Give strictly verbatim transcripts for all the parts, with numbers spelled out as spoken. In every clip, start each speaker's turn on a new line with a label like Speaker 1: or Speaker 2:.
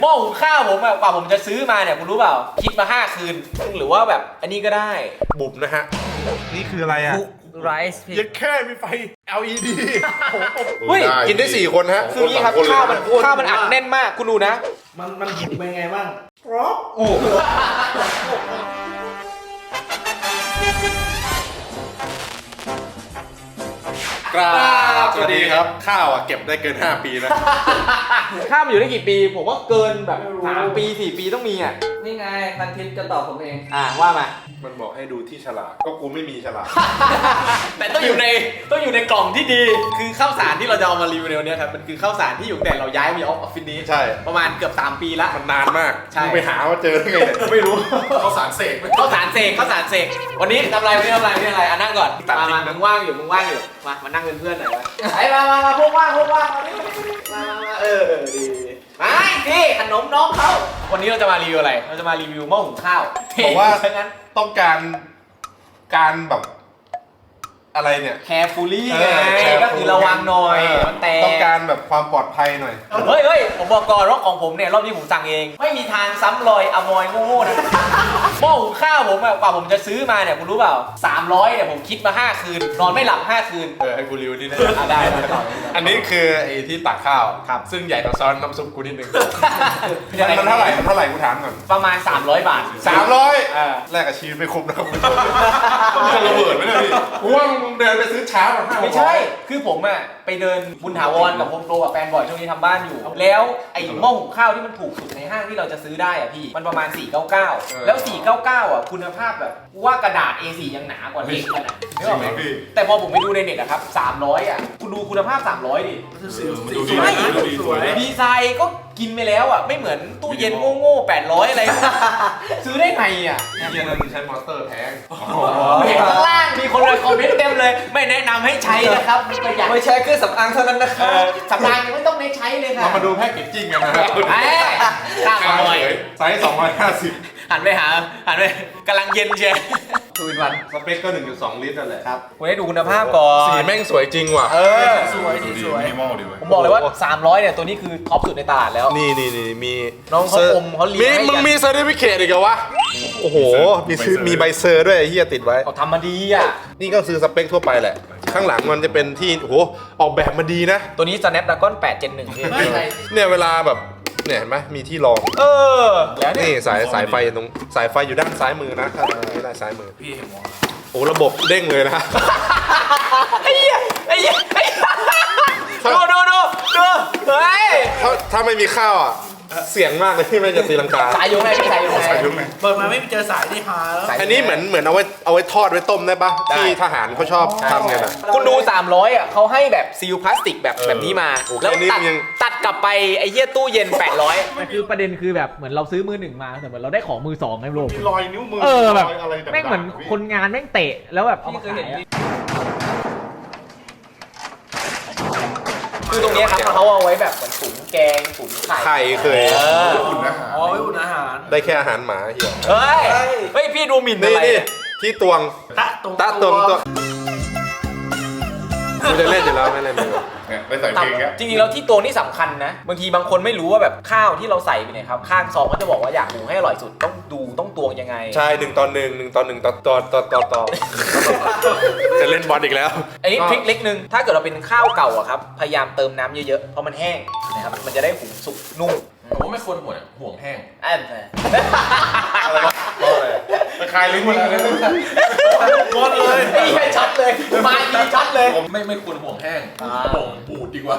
Speaker 1: หม้อหุงข้าวผมอะกว่าผมจะซื้อมาเนี่ยคุณรู้เปล่าคิดมาห้าคืนหรือว่าแบบอันนี้ก็ได้
Speaker 2: บุบนะฮะนี่คืออะไรอ่ะ
Speaker 3: ไรซ์
Speaker 2: ยังแค่มีไฟ แอล อี ดี
Speaker 1: เฮ้ย
Speaker 2: กินได้สี่คนฮะ
Speaker 1: คือนี้ครับข้าวมันข้าวมันอัดแน่นมากคุณดูนะ
Speaker 4: มันมันหิวเป็นไงบ้างกรอบโอ้
Speaker 2: กราบสวัสดีครับข้าวอ่ะเก็บได้เกินห้าปีนะ
Speaker 1: ข้าวมันอยู่ได้กี่ปีผมว่าเกินแบบสามปีสี่ปีต้องมีอ่ะ
Speaker 3: นี่ไงพันทิปจะตอบผมเอง
Speaker 1: อ่าว่ามา
Speaker 2: มันบอกให้ดูที่ฉลากก็กูไม่มีฉลาก
Speaker 1: แต่ต้องอยู่ในต้องอยู่ในกล่องที่ดีคือข้าวสารที่เราจะเอามารีวิวในวันนี้ครับมันคือข้าวสารที่อยู่แต่เราย้ายมาออฟฟิศนี้
Speaker 2: ใช่
Speaker 1: ประมาณเกือบสามปีละ
Speaker 2: มันนานมาก
Speaker 1: ใช่
Speaker 2: ไปหาว่าเจอได้ไงไม่รู้ข้าวสารเสก
Speaker 1: ข้าวสารเสกข้าวสารเสกวันนี้ทำอะไรวันนี้ทำอะไรวันนี้อะไรอ่ะนั่งก่อนมามามึงว่างอยู่มึงว่างอยู่มามานั่งเป็นเพื่อนหน่อยมาไอ้มามามาพวกว่างพวกว่างมามามาเออดีไม่พี่ขนมน้องเขาวันนี้เราจะมารีวิวอะไรเราจะมารีวิวหม้อหุงข้าว
Speaker 2: บอกว่าต้องการการแบบอะไรเนี่ย
Speaker 1: แคร์ฟูลี่ไงก็คือระวังหน่อยมันแตก
Speaker 2: ต้องการแบบความปลอดภัยหน่อย
Speaker 1: เฮ้ยเฮ้ยผมบอกก่อนว่าของผมเนี่ยรอบนี้ผมสั่งเองไม่มีทางซ้ำรอยอมอยโง่ๆนะหม้อหุงข้าวผมอะกว่าผมจะซื้อมาเนี่ยคุณรู้เปล่าสามร้อยเนี่ยผมคิดมาห้าคืนนอนไม่หลับห้าคืน
Speaker 2: เออให้กูรีวิวนี่นะ
Speaker 1: ได้ได้ต่อ
Speaker 2: อันนี้คือไอ้ที่ตักข้าว
Speaker 1: ครับ
Speaker 2: ซึ่งใหญ่กว่าซ้อนน้ำซุปกูนิดนึงมันเท่าไหร่มันเท่าไหร่กูถามก่อน
Speaker 1: ประมาณสามร้อยบาท
Speaker 2: สามร้อย
Speaker 1: อ่า
Speaker 2: แลกกับชีวิตไม่คุ้มนะครับจะระเบิดไหมเนี่ยพี่กูว่ามึงเดินไปซื้อช้าแบบห้า
Speaker 1: ไม่ใช่คือผมอะไปเดินบุญถาวรกับโฮมโปรกับแฟนบ่อยช่วงนี้ทำบ้านอยู่แล้วไอ้หม้อหุงข้าวที่มันถูกสุดในห้างที่เราจะซื้อได้อะพี่มันประมาณสี่ร้อยเก้าสิบเก้าแล้วสี่ร้อยเก้าสิบเก้าอ่ะคุณภาพแบบว่ากระดาษ เอ สี่ ยังหนากว่าเด็กมันอ่ะจริงไหมพี่แต่พอผมไปดูในเน็ตอะครับสามร้อยอ่ะคุณดูคุณภาพสามร้อยดิใช่ดีไซน์ก็กินไปแล้วอ่ะไม่เหมือนตู้เย็นโง่ๆแปดร้อยอะไรซื้อได้ไงอ่ะ
Speaker 2: เย็นนั้นใช้มอเตอร์แพง
Speaker 1: เห็นข้างล่างมีคนเลยคอมเมนต์เต็มเลยไม่แนะนำให้ใช้นะครับ
Speaker 3: ไม่ใช่เครื่องสำอางเท่านั้นนะครับ
Speaker 1: สำอางยังไม่ต้องได้ใช้เลยค่ะ
Speaker 2: เรามาดูแพ็กเกจจิ้งกันนะครับ
Speaker 1: เอ้ยข้าวหน่อย
Speaker 2: ไซส์สองร้อยห้าสิบ
Speaker 1: หันไปหาหันไปกำลังเย็นเชียวทูอินวัน
Speaker 2: สเปคก็ หนึ่งจุดสอง ลิตรนั่นแหละ
Speaker 1: ครับคุณให้ดูคุณภาพก่อน
Speaker 2: สีแม่งสวยจริงว่ะ
Speaker 1: เออ
Speaker 3: สวยสีสวย
Speaker 1: ผมบอกเลยว่าสามร้อยเนี่ยตัวนี้คือท็อปสุดในตลาดแล้ว
Speaker 2: นี่นี่นี่มี
Speaker 1: น้องเขาอมเขาเลี้ยง
Speaker 2: มึงมีเซอร์ติฟิเคตอีกเหรอวะโอ้โหมีมีใบเซอร์ด้วยเฮียติดไว้
Speaker 1: เขาทำมาดีอ่ะ
Speaker 2: นี่ก็ซื้อสเปคทั่วไปแหละข้างหลังมันจะเป็นที่โอ้โหออกแบบมาดีนะ
Speaker 1: ตัวนี้ Snapdragon แปด Gen หนึ่งพี่
Speaker 2: เนี่ยเวลาแบบเนี่ยเห็นไหมมีที่รอง
Speaker 1: เออแล้ว
Speaker 2: นี่สายสายไฟตรงสายไฟอยู่ด้านซ้ายมือนะถ้าไม่ได้ซ้ายมือพี่เห็นมองโอ้ระบบเด้งเลยนะ
Speaker 1: ไอ้เหี้ยไอ้เหี้ยดูดูดูดูเฮ้ย
Speaker 2: ถ้าถ้าไม่มีข้าวอ่ะเสี่ยงมากเลยที่ไม่จะตีลังกา
Speaker 1: สายยงไงพี่สายยงไง
Speaker 4: เปิดมาไม่เจอสายที่หาแล้ว
Speaker 2: อันนี้เหมือนเหมือนเอาไว้เอาไว้ทอดไว้ต้มได้ปะที่ทหารเขาชอบทำไงนะ
Speaker 1: คุณดูสามร้อยอ่ะเขาให้แบบซีลพลาสติกแบบแบบนี้มาแล้วตัดตัดกลับไปไอ้เหี้ยตู้เย็นแปดร้อย
Speaker 5: มันคือประเด็นคือแบบเหมือนเราซื้อมือหนึ่งมาแต่เหมือนเราได้ของมือสองไงโลก
Speaker 2: รอยนิ้วมือ
Speaker 5: เออแบบแม่งเหมือนคนงานแม่งเตะแล้วแบบ
Speaker 1: พี่เคยเห็นคือตรงนี้ครับเขาเอาไว้แบบเหมือนตุ๋นแกงตุ๋นไข่
Speaker 2: ไข่เคย
Speaker 4: อุ่นอาหารอ๋อไว้อุ่นอาหาร
Speaker 2: ได้แค่อาหารหมาเฮีย
Speaker 1: เฮ้ยเฮ้ยพี่ดูหมิ่นอะไร
Speaker 2: ที่ตวง
Speaker 4: ตะตวง
Speaker 2: ตะตวงตัวกูจะเล่นอยู่แล้วไม่เล่นเลยไปใส่เพลงแก
Speaker 1: จริงๆแล้วที่ตวงนี่สำคัญนะบางทีบางคนไม่รู้ว่าแบบข้าวที่เราใส่ไปเนี่ยครับข้างซองก็จะบอกว่าอยากหุงให้อร่อยสุดต้องดูต้องตวงยังไง
Speaker 2: ใช่หนึ่งตอนหนึ่งหนึ่งตอนหนึ่งต่อต่อต่อต่อต่อจะเล่นบอลอีกแล้ว
Speaker 1: อันนี้ทริคเล็กนึงถ้าเกิดเราเป็นข้าวเก่าอะครับพยายามเติมน้ำเยอะๆเพราะมันแห้งนะครับมันจะได้หุงสุกนุ่ม
Speaker 3: ผมว่าไม่ควรห่วงห่วงแห้ง
Speaker 1: อัน
Speaker 2: อะไรวะตะคายลิ้นหมดเลย
Speaker 1: หมดเลยไอ้เหี้ยช็อตเลยมาดีช็อตเลย
Speaker 3: ผมไม่ไม่ควรห่วงแห้งห่วงบูดดีกว่า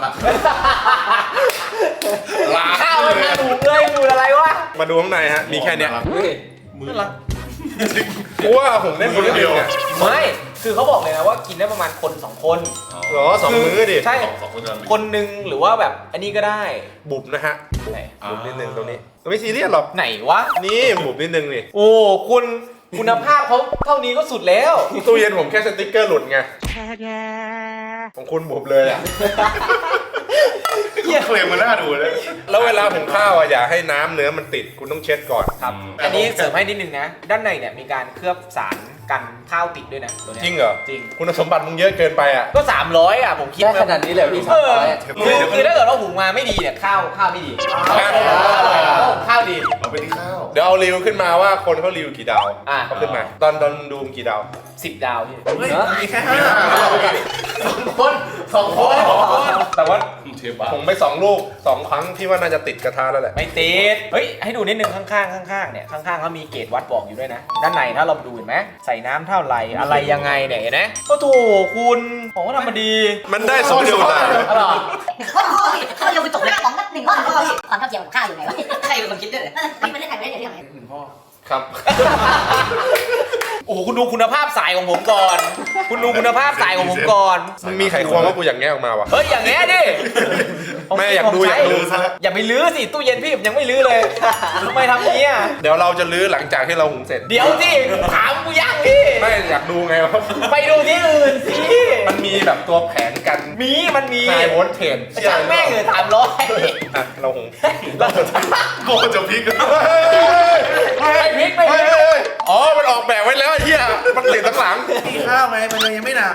Speaker 1: ข้าวมันบูดเลยบูดอะไรวะ
Speaker 2: มาดูข้างในฮะมีแค่เนี้ย
Speaker 1: มือละ
Speaker 2: กูว่าผมได้คนเดียว
Speaker 1: ไม่คือเขาบอกเลยนะว่ากินได้ประมาณคนสองคน
Speaker 2: หรอสองมื้อดิ
Speaker 1: ใช่คนหนึ่งหรือว่าแบบอันนี้ก็ได้
Speaker 2: บุบนะฮะบุบนิดนึงตรงนี้ไม่ซีเรียสหรอก
Speaker 1: ไหนวะ
Speaker 2: นี่บุบนิดนึงนี่
Speaker 1: โอ้คุณคุณภาพเขาเท่านี้ก็สุดแล้ว
Speaker 2: ตู้เย็นผมแค่สติ๊กเกอร์หลุดไงของคุณบุบเลยอ่ะ
Speaker 3: เคลมมันน่าดูเลย
Speaker 2: แล้วเวลาหุงข้าวอ่ะอย่าให้น้ำเนื้อมันติดคุณต้องเช็ดก่อน
Speaker 1: ครับอันนี้เสริมให้นิดนึงนะ ด้านในเนี่ยมีการเคลือบสารกันข้าวติดด้วยนะตัวเนี้ย
Speaker 2: จริงเหรอ
Speaker 1: จริง
Speaker 2: คุณสมบัติมึงเยอะเกินไปอ่ะ
Speaker 1: ก็สามร้อยอ่ะผมคิด
Speaker 6: ได้ขนาดนี้เลยพี่
Speaker 1: เออ
Speaker 6: สามร้อย
Speaker 1: คือคือถ้าเกิดเราหุงมาไม่ดีเนี่ยข้าวข้าวไม่ดีข้าวดี
Speaker 3: เอาไปที่ข้าว
Speaker 2: เดี๋ยวเอารีวิวขึ้นมาว่าคนเขารีวิวกี่ดาว
Speaker 1: อ่ะ
Speaker 2: เขาขึ้นมา ตอนตอนดูมึงกี่ดาว
Speaker 1: สิบดาวพี่
Speaker 4: เฮ้ยมีแค่ห้า
Speaker 1: สองคนสองคน
Speaker 2: แต่ว่า
Speaker 3: เชฟบ้า
Speaker 2: ผมไปสองลูกสองครั้งที่ว่าน่าจะติดกระทะแล้วแหละ
Speaker 1: ไม่ติดเฮ้ยให้ดูนิดนึงข้างๆข้างๆเนี่ยข้างๆเขามีเกจวัดบอกอยู่ด้วยนะ ด้านในถ้าเราดูเห็นไหมใส่น้ำเท่าไหร่อะไรยังไงเนี่ยเห็นไหมโอ้โถคุณของก็ทำมาดี
Speaker 2: มันได้สองจุดนะ
Speaker 1: อร่อย
Speaker 7: ข้าวข้าวเดียวคือจบเลยของหนึ่งข้อข้อพี่ความเท่าเทียมของข้าวอยู่ไหนวะใครเป็นคนคิดด้วยไม่มันได้ถ่ายไม่ได้เดี๋ยวเรื่องไหน
Speaker 2: ครับ
Speaker 1: โอ้โหคุณดูคุณภาพสายของผมก่อน คุณดูคุณภาพสายของผมก่อน
Speaker 2: มึงมีไขควงว่ากูอยากแงะออกมาวะ
Speaker 1: เฮ้ยอย่างเงี้ยดิ
Speaker 2: แม่อยากดูอยากดู
Speaker 1: อย่าไปลื้อสิตู้เย็นพี่ผมยังไม่ลื้อเลยทำไมทำอย่างเงี้ย
Speaker 2: เดี๋ยวเราจะลื้อหลังจากที่เราหุงเสร็จ
Speaker 1: เดี๋ยวสิถามกูยังพี่
Speaker 2: ไม่อยากดูไงว่า
Speaker 1: ไปดูที่อื่นสิ
Speaker 2: มันมีแบบตัวแผนกัน
Speaker 1: มีมันมี
Speaker 2: ไฮโวลต์เทน
Speaker 1: ช่างแม่งเลยถามร้อย
Speaker 2: อ่ะเราหุง
Speaker 3: โกจะพลิก
Speaker 1: ไม่พลิกไม่พลิก
Speaker 2: อ๋อ มันออกแบบไว้แล้วไอ้เหี้ย มันติดทั้งหลัง
Speaker 4: มีข้าวไหมมันเลยยังไม่หนัก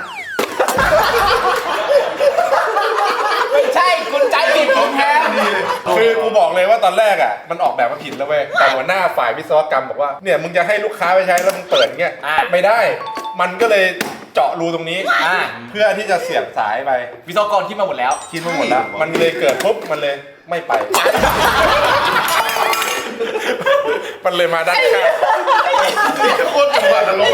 Speaker 1: ไม่ใช่คุณใจผิดผมแทน
Speaker 2: คือกูบอกเลยว่าตอนแรกอ่ะ มันออกแบบมาผิดแล้วเว้ย แต่หัวหน้าฝ่ายวิศวกรรมบอกว่า เนี่ยมึงจะให้ลูกค้าไปใช้แล้วมึงเปิดเงี้ย ไม่ได้ มันก็เลยเจาะรูตรงนี้
Speaker 1: อ่า
Speaker 2: เพื่อที่จะเสียบสายไป
Speaker 1: วิศวกรคิดมาหมดแล้ว
Speaker 2: คิดมาหมดแล้ว มันเลยเกิดปุ๊บ มันเลยไม่ไป มันเลยมาด้านข้าง
Speaker 3: โคตรจังหวะนรก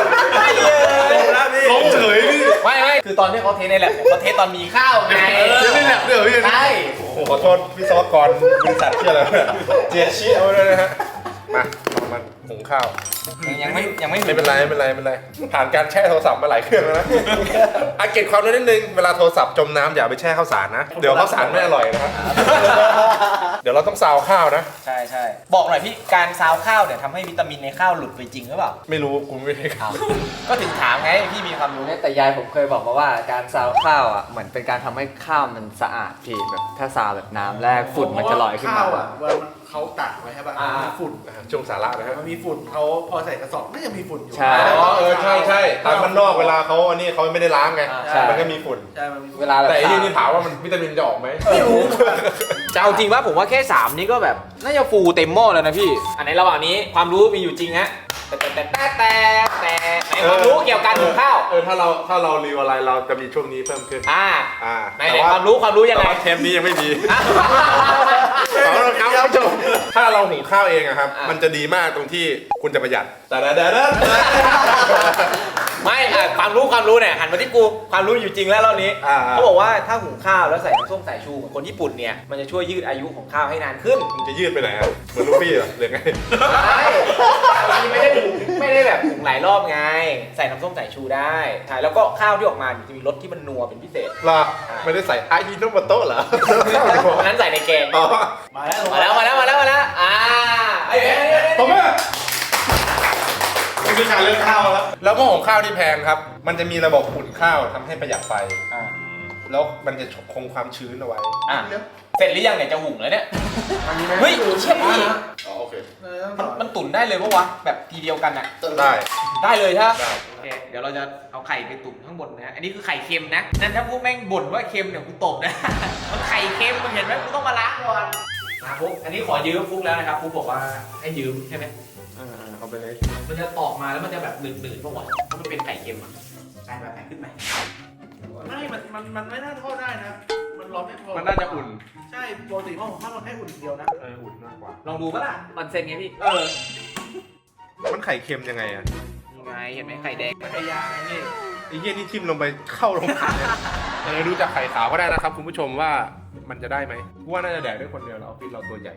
Speaker 3: ล้มเฉยพี่
Speaker 1: ไม่ไม่คือตอนที่เขาเทสในแลบเนี่ยเขาเทสตอนมีข้าวไง
Speaker 3: เทสในแลบด้วยเหรอพี่
Speaker 1: ใช่
Speaker 2: โอ้โหขอโทษวิศวกรบริษัทที่อะไรเนี่ยเจียชี้เอาไว้เลยนะฮะ มาเรามาหุงข้าว
Speaker 1: ยังไม่ยังไม่
Speaker 2: ไม่เป็นไรไม่เป็นไรไม่เป็นไร ผ่านการแช่โทรศัพท์มาหลายเครื่องแล้วนะอาเก็บความรู้นิดนึง เวลาโทรศัพท์จมน้ำอย่าไปแช่ข้าวสารนะ เดี๋ยวข้าวสารไม่อร่อยนะครับ เดี๋ยวเราต้องซาวข้าวนะ
Speaker 1: ใช่ใช่บอกหน่อยพี่การซาวข้าวเนี่ยทำให้วิตามินในข้าวหลุดไปจริงหรือเปล่า
Speaker 2: ไม่รู้กูไม่ได้ข่าว
Speaker 1: ก็ถึงถามไงพี่มีความรู้
Speaker 6: แต่ยายผมเคยบอกมาว่าการซาวข้าวอ่ะเหมือนเป็นการทำให้ข้าวมันสะอาดพี่แบบถ้าซาวแบบน้ำแรกฝุ่นมันจะลอยขึ้นมา
Speaker 4: ข้าวอ่ะเวลามันเขาตักไว้ใช่ป่ะมันมีฝุ่น
Speaker 2: ช่วงสาระนะฮะ
Speaker 4: มันมีฝุ่นเขาพอใส่กระสอบก็ยังมีฝุ่นอยู่
Speaker 6: ใช่
Speaker 2: อ๋อเออใช่ใช่ตามมันนอกเวลาเขาอันนี้เขาไม่ได้ล้างไง
Speaker 6: ใช่
Speaker 2: มันก็มีฝุ่น
Speaker 4: ใช่มันมีฝุ่น
Speaker 6: เวลาแบบ
Speaker 2: แต่ไอ้นี่นี่ถามว่ามันวิตามินจะออกไหม
Speaker 1: ไม่รู้จะเอาจริงว่าผมว่าแค่สามนี้ก็แบบน่าจะฟูเต็มหม้อแล้วนะพี่ อันในระหว่างนี้ความรู้มีอยู่จริงฮะแต่แต่แต่แต่แต่ไหนความรู้เกี่ยวกับการหุงข้าว
Speaker 2: เออถ้าเราถ้าเรารีวิวอะไรเราจะมีช่วงนี้เพิ่มขึ้น
Speaker 1: อ่า
Speaker 2: อ่า
Speaker 1: ไหนไหนความรู้ความรู้ยัง
Speaker 2: แต่
Speaker 1: ไง
Speaker 2: ว่าเทปนี้ยังไม่มี
Speaker 1: อ่ะ
Speaker 2: ขอโทษครับคุณผู้ชมถ้าเราหุงข้าวเองอะครับ
Speaker 1: อ่ะ
Speaker 2: มันจะดีมากตรงที่คุณจะประหยัด แต่เด้อ
Speaker 1: ไม่อ่ะความรู้ความรู้เนี่ยหันมาที่กูความรู้อยู่จริงแล้วรอบนี้
Speaker 2: อ่า
Speaker 1: เขาบอกว่าถ้าหุงข้าวแล้วใส่น้ำส้มสายชูเหมือนคนญี่ปุ่นเนี่ยมันจะช่วยยืดอายุของข้าวให้นานขึ้น
Speaker 2: มึงจะยืดไปไหนอะเหมือนลูฟี่เหรอหรือไง
Speaker 1: ใช่ไม่ได้หุงไม่ได้แบบหุงหลายรอบไง ใส่น้ำส้มสายชูได้ใช่แล้วก็ข้าวที่ออกมาจะมีรสที่มันนัวเป็นพิเศษ
Speaker 2: ล่ะไม่ได้ใส่อายิโนโมโตะเหรอ
Speaker 1: อันนั้นใส่ในแกง
Speaker 2: อ๋อ
Speaker 4: มาแล้ว
Speaker 1: มาแล้วมาแล้วมาแล้วมาแล้วอ่าไอ้เอ้ยเอ้ยเอ้ย
Speaker 2: ผมว่า
Speaker 3: ไม่ใช่การเลือกข้าวแล้ว
Speaker 2: แล้วหม้อหุงข้าวที่แพงครับ มันจะมีระบบอุ่นข้าวทำให้ประหยัดไฟ
Speaker 1: อ่า
Speaker 2: แล้วมันจะคงความชื้นเอาไว้
Speaker 1: อ่ะเสร็จหรือยังเนี่ยจะหุงแล้วเนี่ยเฮ้ยเชี่ยพี่
Speaker 3: อ๋อโอเค
Speaker 1: มันมันตุ๋นได้เลยปะวะแบบทีเดียวกันอะ
Speaker 2: ได้
Speaker 1: ได้เลยใช่ไหม
Speaker 2: ได้
Speaker 1: โอเคเดี๋ยวเราจะเอาไข่ไปตุ๋นข้างบนนะอันนี้คือไข่เค็มนะนั่นถ้าพวกแม่งบ่นว่าเค็มเนี่ยกูตบนะ มันไข่เค็มมึงเห็นไหมกูต้องมาล้างก่อนมาฟุกอันนี้ขอยืมฟุกแล้วนะครับฟุกบอกว่าให้ยืมใช่ไหม
Speaker 2: เอาไปเลย
Speaker 1: มันจะออกมาแล้วมันจะแบบหนืดๆปะวะเพราะมันเป็นไข่เค็มอะไปไปไปขึ้นไป
Speaker 4: ไม่มันมันมันไม่น่าทอดได้นะ มันร้อนไม่พอ
Speaker 2: มันน่าจะอุ่น
Speaker 4: ใช่ปกติหม้อของข้าวมันแค่อุ่นอย่างเดียวนะ
Speaker 2: เอออุ่นมากกว่า
Speaker 1: ลองดูปะล่ะ
Speaker 6: ออนเซ็นไงพี่
Speaker 1: เออ
Speaker 2: มันไข่เค็มยังไงอะ
Speaker 1: ยังไงเห็นไหมไข่แดง
Speaker 4: มันไอ้ยาไงนี่
Speaker 2: ไอ้เหี้ยนี่ทิ่มลงไปเข้าลงขาเนี่ยเออดูจากไข่ขาวก็ได้นะครับคุณผู้ชมว่ามันจะได้ไหมกูว่าน่าจะแดกได้คนเดียวแล้วออฟฟิศเราตัวใหญ่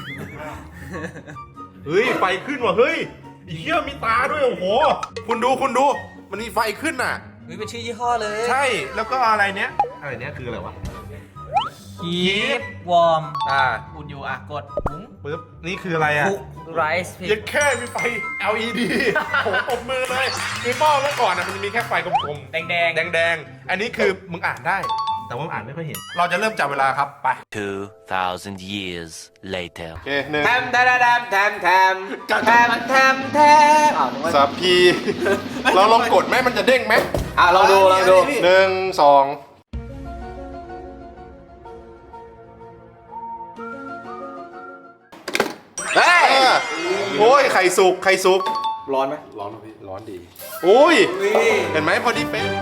Speaker 2: เฮ้ยไฟขึ้นว่ะเฮ้ยไอ้เหี้ยมีตาด้วยโอ้โหคุณดูคุณดูมันมีไฟขึ้นน่ะ
Speaker 1: เฮ้ยเป็นชื่อยี่ห้อเลย
Speaker 2: ใช่แล้วก็อะไรเนี้ยอะไรเนี้ยคืออะไรวะ
Speaker 5: คีฟวอร์ม
Speaker 2: อ่า
Speaker 5: อุ่นอยู่อ่ะกดหุง
Speaker 2: ปึ๊บนี่คืออะไรอ่ะ
Speaker 5: คุกไรซ์พี่
Speaker 2: ยังแค่มีไฟ แอล อี ดี โอ้โหปรบมือเลยคือหม้อเมื่อก่อนอ่ะมันจะมีแค่ไฟกลม
Speaker 1: แดงแดง
Speaker 2: ๆแดงๆอันนี้คือมึงอ่านได้แต่ว่าอ่านไม่ค่อยเห็น เราจะเริ่มจับเวลาครับไป
Speaker 8: two thousand years later
Speaker 3: โอเคหนึ่ง
Speaker 1: แทมแทมแทมแทมแทมแทมแทมแทมแทมอ้าวนึกว่า
Speaker 3: สัพพี
Speaker 2: เราลองกดไหมมันจะเด้งไหม
Speaker 1: อ่ะลองดูลองดู
Speaker 3: หนึ่งสอง
Speaker 1: เฮ้ย
Speaker 3: อ่ะโอ้ยไข่สุกไข่สุก
Speaker 1: ร้อนไหม
Speaker 2: ร้อนนะพี่ร้อนดี
Speaker 3: โอ้ยเห็นไหมพอดีเป๊ะ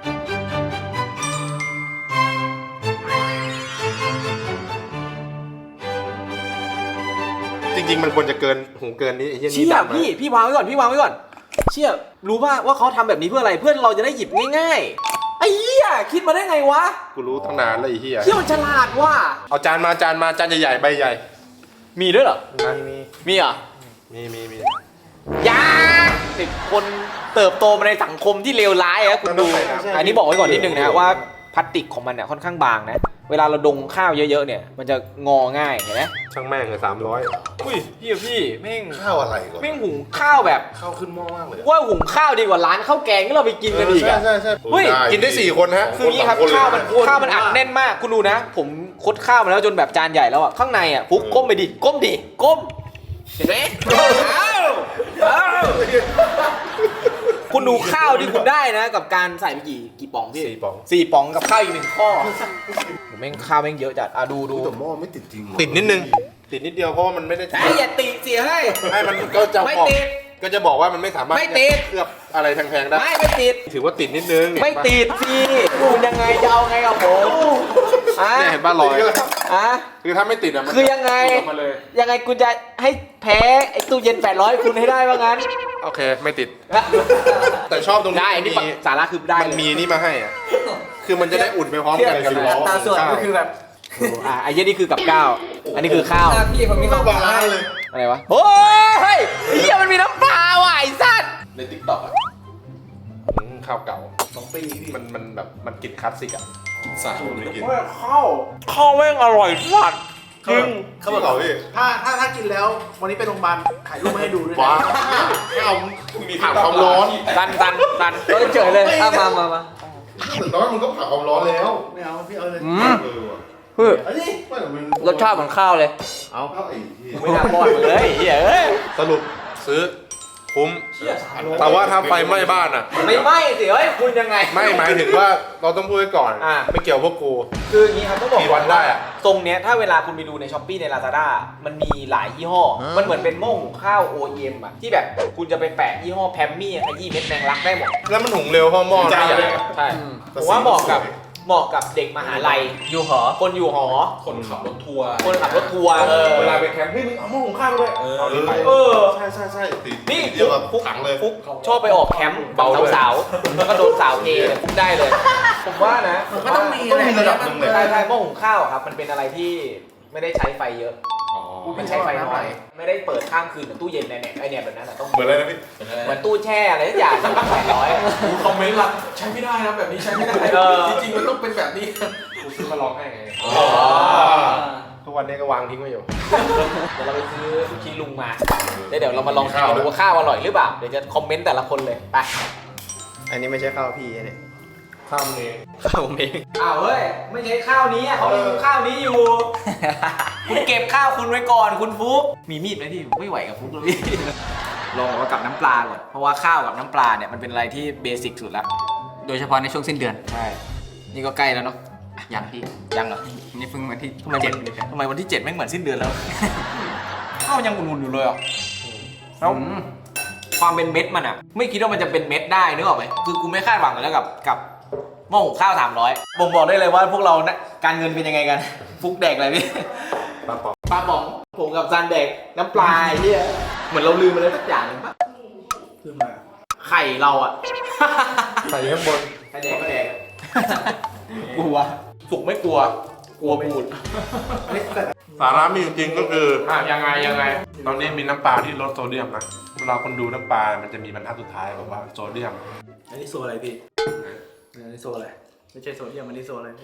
Speaker 3: จริงๆมันควรจะเกินหูเกินนี้ไอ้เหี้ยนี่
Speaker 1: เชี่ย
Speaker 3: ดำนะ
Speaker 1: พี่พี่วางไว้ก่อนพี่วางไว้ก่อนเชี่ยรู้ป่ะว่าเขาทำแบบนี้เพื่ออะไรเพื่อเราจะได้หยิบง่ายๆไอ้เหี้ยคิดมาได้ไงวะ
Speaker 3: กูรู้ตั้งนานแล้วไอ้เหี้ย
Speaker 1: เชี่ยมันฉลาดว่ะ
Speaker 3: เอาจานมาจานมาจานใหญ่ๆใบใหญ่
Speaker 1: มีด้วยเหรอ
Speaker 3: มี
Speaker 1: มีเหรอ
Speaker 3: มีมีมี
Speaker 1: ยาเด็กคนเติบโตมาในสังคมที่เลวร้ายอะคุณดู อันนี้บอกไว้ก่อนนิดนึงนะว่าพลาสติกของมันเนี่ยค่อนข้างบางนะ เวลาเราดงข้าวเยอะๆเนี่ย มันจะงอง่ายเห็นไหม
Speaker 3: ช่างแม่งเลยสามร้อย
Speaker 1: อุ้ยพี่อะพี่แม่ง
Speaker 3: ข้าวอะไรก่อน
Speaker 1: แม่งหุงข้าวแบบ
Speaker 3: ข้าวขึ้นหม้อมากเลย
Speaker 1: ว่าหุงข้าวดีกว่าร้านข้าวแกงที่เราไปกินกันอีกอะ
Speaker 3: ใช่ใช่
Speaker 1: เฮ้ย
Speaker 3: กินได้สี่คนฮะ
Speaker 1: คืออย่างนี้ครับข้าวมันข้าวมันอัดแน่นมากคุณดูนะ ผมคดข้าวมาแล้วจนแบบจานใหญ่แล้วอะข้างในอะฟุกก้มไปดิก้มดิก้มเห็นไหมอ้าวอ้าวคุณดูข้าวที่คุณได้นะ กับการใส่ไปกี่กี่ป๋องพี่
Speaker 3: สี่ป๋อง
Speaker 1: สี่ป๋องกับข้าวอีกหนึ่งข้อผมแม่งข้าวแม่งเยอะจัดอ่ะดูดู
Speaker 3: แต่หม้อไม่ติดจริงติดนิดนึง ติดนิดเดียวเพราะว่ามันไม่ได้
Speaker 1: ไอ้อย่าตีเสียให้
Speaker 3: ให้มันก็จะ
Speaker 1: ไม่
Speaker 3: บอก
Speaker 1: ติด
Speaker 3: ก็จะบอกว่ามันไม่สามารถ
Speaker 1: ไม่ติด
Speaker 3: เคลือบอะไรแพงๆได้
Speaker 1: ไม่ไม่ติด
Speaker 3: ถือว่าติดนิดนึง
Speaker 1: ไม่ติดพี่คุณยังไงจะเอาไงกับผมอ่ะ
Speaker 3: เนี่ยเห็นป่ะรอย
Speaker 1: อ่ะ
Speaker 3: คือถ้าไม่ติดอ่ะมัน
Speaker 1: คือยังไง
Speaker 3: หลุดออกมาเลย
Speaker 1: ยังไงคุณจะให้แพ้ไอ้ตู้เย็นแปดร้อยคุณให้ได้ว่างั้น
Speaker 3: โอเคไม่ติด แต่ชอบตรงนี้
Speaker 1: ได้อันนี้
Speaker 3: มี
Speaker 1: สาระคือได้
Speaker 3: มัน
Speaker 1: เลย
Speaker 3: มีนี่มาให้อ่ะคือมันจะได้อุ่นไปพร้อมกันกับล้อ
Speaker 1: ตาส่วนก็คือแบบอ่ะไอ้เหี้ยนี่คือกับข้าวอันนี้คือข้าว
Speaker 6: พี่ผมมีข้าวปลา
Speaker 3: เลย
Speaker 1: อะไรวะโอ้ยเฮ้ยไอ้เหี้ยมันมีน้ำปลาว่ะไอ้สัตว์
Speaker 3: ในติ๊กต็อกอ่ะอืมข้าวเก่าสองปีมันมันแบบมันกลิ่นคลาสสิกอ่ะกินสาไม่กิน
Speaker 1: ข้าวข้าวแม่งอร่อยสัตว์จริง
Speaker 3: ข้าวเก่าพี่
Speaker 4: ถ้าถ้าถ้ากินแล้ววันนี้ไปโรงพยาบาลถ่ายรูปมาให้ดูด้วยนะ
Speaker 3: ว้าข้าวมีผ่านความร้อน
Speaker 1: ตันตันตันเฮ้ยเฉยเลยอ่ะมามามา
Speaker 3: แต่ว่ามันก็ผ่านความร้อนแล้ว
Speaker 4: ไม่เอาพี่เอาเลย
Speaker 6: อืม
Speaker 3: เออว่ะ
Speaker 6: เฮ้ย
Speaker 4: เอาดิ
Speaker 3: ไม่แต่มัน
Speaker 6: รสชาติเหมือนข้าวเลย
Speaker 3: เอาข้าวไอ้ที่
Speaker 1: ไม่น่าป้อนมึงเลยไอ้เหี้ยเอ้ย
Speaker 3: สรุปซื้อคุ้มแต่ว่าถ้าไฟไหม้บ้านอ่ะ
Speaker 1: ไม่ไหม้สิเฮ้ยคุณยังไง
Speaker 3: ไม่หมายถึงว่าเราต้องพูดไว้ก่อน
Speaker 1: อ่ะ
Speaker 3: ไม่เกี่ยวพวกกู
Speaker 1: คืออย่างนี้ครับต้องบอก
Speaker 3: กี่วันได้อะ
Speaker 1: ตรงเนี้ยถ้าเวลาคุณไปดูในช้อปปี้ใน Lazada มันมีหลายยี่ห้อ มันเหมือนเป็นหม้อหุงข้าว โอ อี เอ็ม อ่ะที่แบบคุณจะไปแปะยี่ห้อแพมมี่ขยี้เม็ดแมงลักได้หมด
Speaker 3: แล้วมันหุงเร็วเพราะหม้อไม่ใหญ่
Speaker 1: ใช่ผมว่าเหมาะกับเหมาะกับเด็กมหาลัยอยู่หอคนอยู่หอ
Speaker 2: คนขับรถทัวร์
Speaker 1: คนขับรถทัวร์เออ
Speaker 3: เวลาไปแคมป์เฮ้ยมึงเอาหม้อหุงข้าวด้วยเอานี่ไป
Speaker 1: เออ
Speaker 3: ใช่ใช่ใช่ติด
Speaker 1: นี่
Speaker 3: เดียวกับ
Speaker 1: ฟุก
Speaker 3: ถังเลย
Speaker 1: ฟุกชอบไปออกแคมป์เบาสาวๆแล้วก็โดนสาวเทเลยฟุกได้เลย ผมว่านะ
Speaker 4: มันก็ต้องมี
Speaker 3: ต้องมีระดับหนึ่งเลย
Speaker 1: ใช่ใช่หม้อหุงข้าวอะครับมันเป็นอะไรที่ไม่ได้ใช้ไฟเยอะ มันใช้ไฟน้อยไม่ได้เปิดข้ามคืนเหมือนตู้เย็นในเนี่ยไอเนี่ยแบบนั้นอะต้อง
Speaker 3: เหมือนอะไรนะพี่
Speaker 1: เหมือนตู้แช่อะไรทุกอย่างแปดร้อย
Speaker 2: คอมเมนต์ละใช้ไม่ได้นะแบบนี้ใช้ไม่ได้
Speaker 1: เออ
Speaker 2: จริงๆมันต้องเป็นแบบนี้กูซื้อมาลองให้ไง
Speaker 3: ทุกวันนี้ก็วางทิ้งไว้อยู่
Speaker 1: เดี๋ยวเราไปซื้อลูกชิ้นลุงมาแล้วเดี๋ยวเรามาลองชิมดูว่าข้าวอร่อยหรือเปล่าเดี๋ยวจะคอมเมนต์แต่ละคนเลยไป
Speaker 6: อันนี้ไม่ใช่ข้าวพี่เนี่ย
Speaker 3: ข้ามเอง
Speaker 6: ข้าวผมเอง
Speaker 1: อ้าวเฮ้ยไม่ใช่ข้าวนี้อะเขารีวิวข้าวนี้อยู่ คุณเก็บข้าวคุณไว้ก่อนคุณฟุกมีมีดไหมพี่ไม่ไหวกับฟุกเลยพี่ ลองเอากับน้ำปลาก่อนเพราะว่าข้าวกับน้ำปลาเนี่ยมันเป็นอะไรที่เบสิกสุดแล้ว
Speaker 6: โดยเฉพาะในช่วงสิ้นเดือน
Speaker 1: ใช่นี่ก็ใกล้แล้วเนาะ
Speaker 6: ยังพี่
Speaker 1: ยังเหรอ
Speaker 6: นี่เพิ่งวันที่
Speaker 1: ทำไมวันทำไมวันที่เจ็ดแม่งเหมือนสิ้นเดือนแล้ว ข้าวยังอุ่นๆอยู่เลยอ่ะแล้วความเป็นเม็ดมันอ่ะ ไม่คิดว่ามันจะเป็นเม็ดได้นึกออกไหมคือกูไม่คาดหวังเลยแล้วกับกับหม้อหุงข้าวสามร้อยบ่งบอกได้เลยว่าพวกเรานะการเงินเป็นยังไงกัน ฟุกแดกอะไรพี่
Speaker 3: ปลาปอก
Speaker 1: ปลาป๋องผมกับซันแดกน้ำปลาไอ้เหี้ยเหมือนเราลืมอะไรสักอย่างหนึงปะ
Speaker 4: คือมา
Speaker 1: ไข่เราอ่ะ
Speaker 3: ใส่ข้างบน
Speaker 1: ไข่แดกก็แดก กลัวสุกไม่กลัว กลัวพูด
Speaker 3: สาระมีอยู่จริงก็คือ
Speaker 1: อ่ะยังไงยังไง
Speaker 2: ตอนนี้มีน้ำปลาที่ลดโซเดียมนะเวลาคนดูน้ำปลา มันจะมีบรรทัดสุดท้ายบอกว่าโซเดียม
Speaker 4: อันนี้โซอะไรพี่อันนี้โซอะไรไม่ใช่โซเดียมอันนี้โซอะไรพี่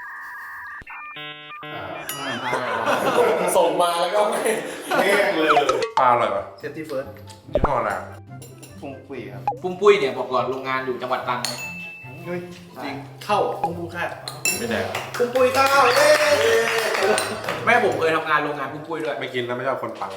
Speaker 2: ส่งมาแล้วก็ไม่แห้งเลยปลาอะไรวะ
Speaker 4: เซฟตี้เฟิร์ส
Speaker 2: ยี่ห้ออะไรอะ
Speaker 4: ปุ้งปุ้ยครับ
Speaker 1: ปุ้มปุ้ยเนี่ยบอกก่อนโรงงานอยู่จังหวัดตรังนะ
Speaker 4: จริงเข้าปุ้งปุ้ยแค่
Speaker 2: ไม่แดก
Speaker 3: ปุ้มปุ้ยข้าวเอ้
Speaker 1: แม่ผมเคยทำงานโรงงานปุ้มปุ้ยด้วย
Speaker 2: ไม่กินแล้วไม่ชอบคนปัง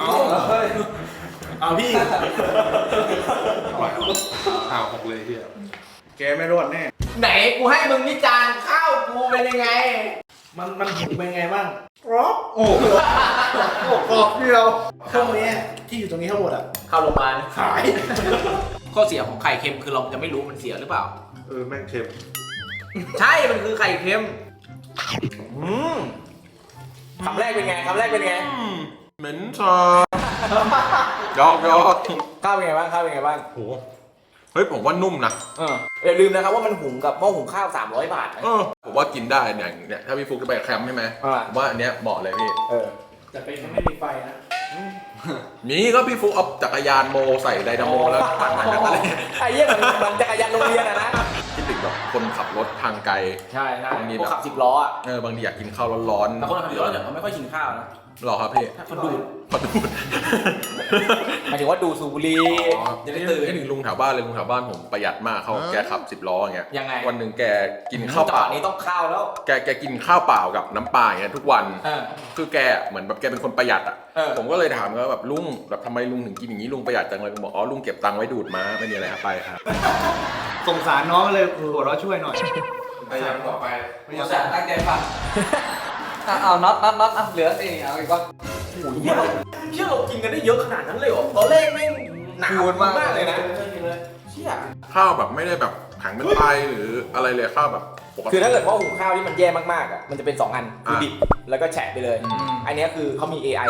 Speaker 4: เอาพี่
Speaker 2: อร่อยอ้าวหกเลยเฮีย
Speaker 4: แกไม่รอดแน่
Speaker 1: ไหนกูให้มึงวิจารณ์ข้าวกูเป็นยังไง
Speaker 4: มันมันหุงเป็นไงบ้างกรอบโอ้โหกรอบเดียวเครื่องนี้ที่อยู่ตรงนี้ทั้งหมดอ่ะ
Speaker 1: เข้าโรงพยาบาล
Speaker 4: ขาย
Speaker 1: ข้อเสียของไข่เค็มคือเราจะไม่รู้มันเสียหรือเปล่า
Speaker 2: เออแม่งเค็ม
Speaker 1: ใช่ มันคือไข่เค็มอืมคำแรกเป็นไงคำแรกเป็นไง
Speaker 2: เหม็นชายอกยอก
Speaker 1: ข้าวเป็นไงบ้างข้าวเป็นไงบ้าง
Speaker 2: โหเฮ้ยผมว่านุ่มนะ
Speaker 1: เอออย่าลืมนะครับว่ามันหุงกับหม้อหุงข้าวสามร้อยบาทนะ
Speaker 2: เออผมว่ากินได้เนี่ยเนี่ยถ้าพี่ฟุกจะไปแคมป์ใช่ไหม
Speaker 1: อ่า
Speaker 2: ผมว่าอันเนี้ยเหมาะเลยพี่
Speaker 1: เออ
Speaker 4: แต่เป็นไม่มีไฟนะ
Speaker 2: มีก็พี่ฟุกเอาจักรยานโมใส่ไดนาโมแล้วปั่นมาจากอะไร
Speaker 1: ไอ้เหี้ยมันมันจักรยานโรงเรียนอะนะ
Speaker 2: คิดถึงแบบคนขับรถทางไกล
Speaker 1: ใช่ใช่
Speaker 2: บางที
Speaker 1: พวก
Speaker 2: แบบ
Speaker 1: ขับสิบล้ออ่ะ
Speaker 2: เออบางทีอยากกินข้าวร้อน
Speaker 1: แต่คนขับสิบล้อเนี่ยเขาไม่ค่อยกินข้าวนะ
Speaker 2: ๆหรอครับพี่
Speaker 1: เขาดูด
Speaker 2: ขอดูด
Speaker 1: หมายถึงว่าดูสูบบุหรี่จะได้ตื่น
Speaker 2: ให้ถึงลุงแถวบ้านเลยลุงแถวบ้านผมประหยัดมากเขาแกขับสิบล้ออย่างเงี้ย
Speaker 1: ยังไง
Speaker 2: วันหนึ่งแกกินข้าวเป
Speaker 1: จังห
Speaker 2: ล่า
Speaker 1: วะนี้ต้องข้าวแล้ว
Speaker 2: แกแกกินข้าวเปล่ากับน้ำปลาอย่างเงี้ยทุกวัน
Speaker 1: เออ
Speaker 2: คือแกเหมือนแบบแกเป็นคนประหยัดอ่ะ
Speaker 1: เออ
Speaker 2: ผมก็เลยถามว่าแบบลุงแบบทำไมลุงถึงกินอย่างนี้ลุงประหยัดจังเลยลุงบอกอ๋อลุงเก็บตังค์ไว้ดูดม้าไม่มีอะไรครับไปครับ
Speaker 4: สงสารน้องเลยหัวเราะช่วยหน่อย
Speaker 2: พยายามต่อไป
Speaker 6: ไม่อยากตั้งใจฟังอ่ะเอาน็อตน็อตน็อตอ่ะเหลือนี่เอาอีกว่า
Speaker 1: โอ้ยเหี้ยเราเชื่อเรากินกันได้เยอะขนาดนั้นเลยเหรอตอนแรกแม่งหนาวมากเลยนะเชี่ย
Speaker 2: ข้าวแบบไม่ได้แบบแข็งเป็นไตหรืออะไรเลยข้าวแบบปกติ
Speaker 1: คือถ้าเกิดว่าหุงข้าวที่มันแย่มากๆอ่ะมันจะเป็นสองอันคือ
Speaker 2: อ่ะ
Speaker 1: ดิบแล้วก็แฉะไปเลย อันเนี้ยคือเขามี เอ ไอ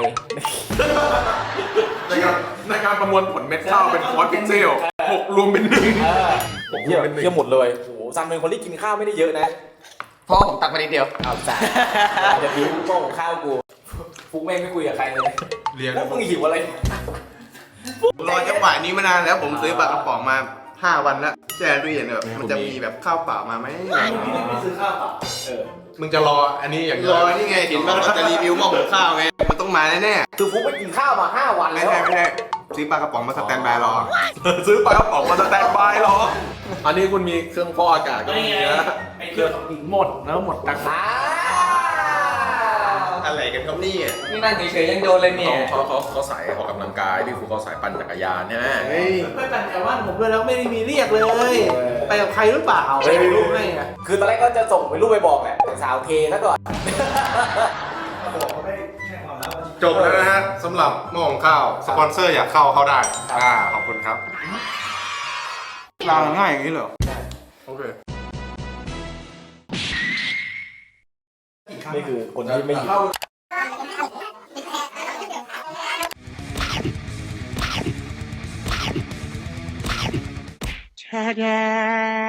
Speaker 2: ในการในการประมวลผลเม็ดข้าวเป็นคอร์สพิกเซลหกรวมเป็นหนึ่ง
Speaker 1: เออ
Speaker 2: หกร
Speaker 1: เยี่
Speaker 2: วย มเป็นหนึ่ง
Speaker 1: เยี่ยหมดเลยโอ้โหซันเป็นคนที่กินข้าวไม่ได้เยอะนะ
Speaker 6: เพราะผมตักไปนิดเดียว
Speaker 1: เอาจ่ายจะบิ้วโม่ของข้าวกูฟุกแม่งไม่คุยกับใครเลย
Speaker 2: เรียน
Speaker 1: พวกมึงหิวอะไร
Speaker 3: รอจังหวะนี้มานานแล้วผมซื้อปลากระป๋องมาห้าวันแล้วแช่ตู้เย็นแบบมันจะมีแบบข้าวเปล่ามาไหม
Speaker 4: ไม่ซื้อข้าวเปล่า
Speaker 1: เออ
Speaker 2: มึงจะรออันนี้อย่างเดี
Speaker 3: ร
Speaker 2: ยว
Speaker 3: อนี่ไงเห็นว่าเขาจะรีวิวหม้อหุงข้าวไงมันต้องมาแน่
Speaker 1: คือฟุกไปกินข้าวมาห้าวัน
Speaker 3: ๆไม่
Speaker 1: แล้ว
Speaker 3: ใช่ไม่ใช่ซื้อปลากระป๋องมาสแตนบายรอ
Speaker 2: ซื้อปลากระป๋องมาสแตนบายรออันนี้คุณมีเครื่องฟอกอากาศก็มีนะ
Speaker 4: ไอ้เครื่องหินหมดแล้วหมดตังค์
Speaker 1: อ้าว
Speaker 3: อะไรกันครับนี่อ่ะ
Speaker 6: นี่นั่งเฉยๆยังโดนเลยเนี่ย
Speaker 2: เขาเขาเขาสายออกกำลังกายพี่ฟูเขาสายปั่นจักรยานใช่ไหม
Speaker 3: เฮ้ย
Speaker 4: ไปปั่นแถวบ้านผมด้วยแล้วไม่ได้มีเรียกเลย ไปกับใครหรือเปล่าไม่รู้ให้อะ
Speaker 1: คือตอนแรกก็จะส่งไปรูปไปบอกแหละแต่สาวเทซะก่อน
Speaker 4: บอกเขาไม่แช่ความแล้ว
Speaker 2: จบแล้วนะฮะสำหรับหม้อหุงข้าวสปอนเซอร์อยากเข้าเข้าได้อ่าขอบคุณครับ
Speaker 4: ลางง่ายอย่างนี้เหรอ
Speaker 2: โอเค
Speaker 1: นี่คือคนที่ไม่หิว
Speaker 8: Ta-da!